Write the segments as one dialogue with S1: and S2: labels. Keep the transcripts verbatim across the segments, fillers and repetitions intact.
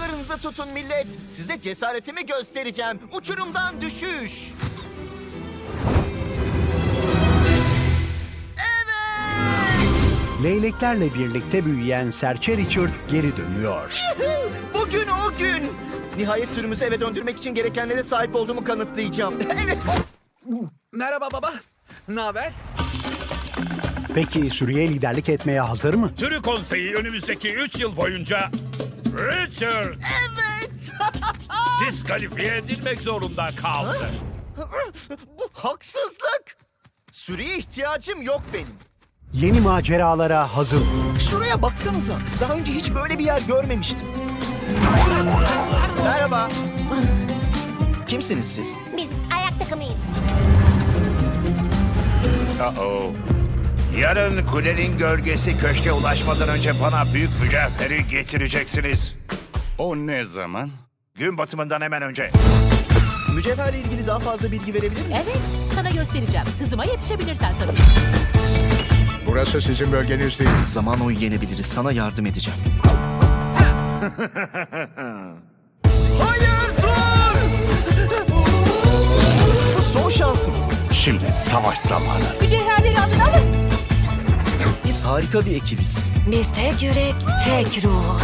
S1: Silahlarınızı tutun millet. Size cesaretimi göstereceğim. Uçurumdan düşüş.
S2: Leyleklerle birlikte büyüyen serçe Richard geri dönüyor.
S1: Bugün o gün. Nihayet sürümüzü eve döndürmek için gerekenlere sahip olduğumu kanıtlayacağım. Evet.
S3: Merhaba baba. Ne haber?
S2: Peki sürüye liderlik etmeye hazır mı?
S4: Sürü konseyi önümüzdeki üç yıl boyunca Richard
S1: Evet.
S4: diskalifiye edilmek zorunda kaldı.
S1: Bu haksızlık. Sürüye ihtiyacım yok benim.
S2: Yeni maceralara hazır mı?
S1: Şuraya baksanıza. Daha önce hiç böyle bir yer görmemiştim. Merhaba. Kimsiniz siz?
S5: Biz ayak takımıyız.
S6: Uh-oh. Yarın kulenin gölgesi köşke ulaşmadan önce bana büyük mücevheri getireceksiniz.
S7: O ne zaman?
S6: Gün batımından hemen önce.
S1: Mücevherle ilgili daha fazla bilgi verebilir misin?
S8: Evet, sana göstereceğim. Hızıma yetişebilirsen tabii.
S7: Burası sizin bölgeniz değil.
S1: Zaman oyu yenebiliriz. Sana yardım edeceğim. Hayır dur! Bu son şansımız.
S7: Şimdi savaş zamanı.
S8: Mücevherleri alın alın.
S1: Biz harika bir ekibiz.
S5: Biz tek yürek, tek ruh.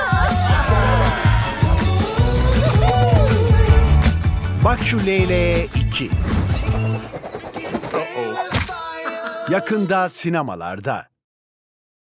S2: Bak şu Leyleğe iki. Yakında sinemalarda.